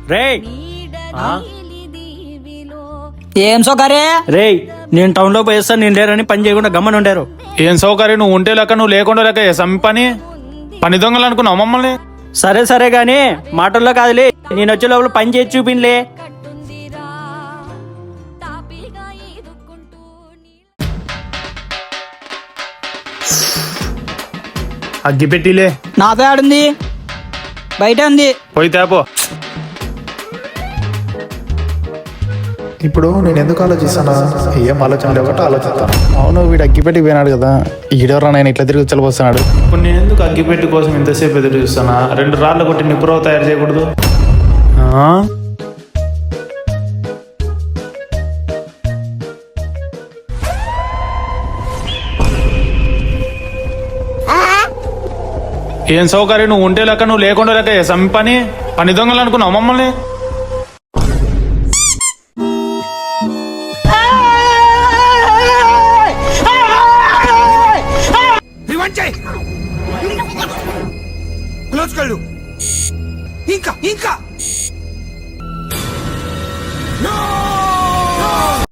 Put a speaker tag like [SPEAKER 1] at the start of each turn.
[SPEAKER 1] రేయ్
[SPEAKER 2] ఏం సౌకర్య
[SPEAKER 1] రేయ్ నేను టౌన్ లో పోయేస్తాను, నేను లేరని పని చేయకుండా గమ్మని ఉండారు.
[SPEAKER 3] ఏం సౌకర్యం, నువ్వు ఉంటే లెక్క నువ్వు లేకుండా లెక్క చేసాం పని దొంగలు అనుకున్నావు మమ్మల్ని.
[SPEAKER 1] సరే సరే గాని మాటల్లో కాదులే, నేను వచ్చే లోపల పని చేసి చూపిన్లే.
[SPEAKER 3] అగ్గి పెట్టిలే,
[SPEAKER 2] నాతో ఆడుంది బయట ఉంది.
[SPEAKER 3] పోయి తేపో.
[SPEAKER 4] ఇప్పుడు నేను ఎందుకు ఆలోచిస్తానా? ఏం ఆలోచన లేకపోతే ఆలోచిస్తాను. అవును, వీడు అగ్గిపెట్టి పోయినాడు కదా, ఈడెవరా నేను ఇట్లా తిరిగి చలిపోతున్నాడు.
[SPEAKER 3] ఇప్పుడు నేను ఎందుకు అగ్గిపెట్టి కోసం ఇంతసేపు ఎదురు చూస్తానా? 2 రాళ్ళు కొట్టి నిప్పురవ తయారు చేయకూడదు? ఏం సౌకర్యం, నువ్వు ఉంటే లెక్క నువ్వు లేకుండా లెక్క చేసాం పని దొంగలు అనుకున్నావు మమ్మల్ని.
[SPEAKER 5] ఇంకా ఇంకా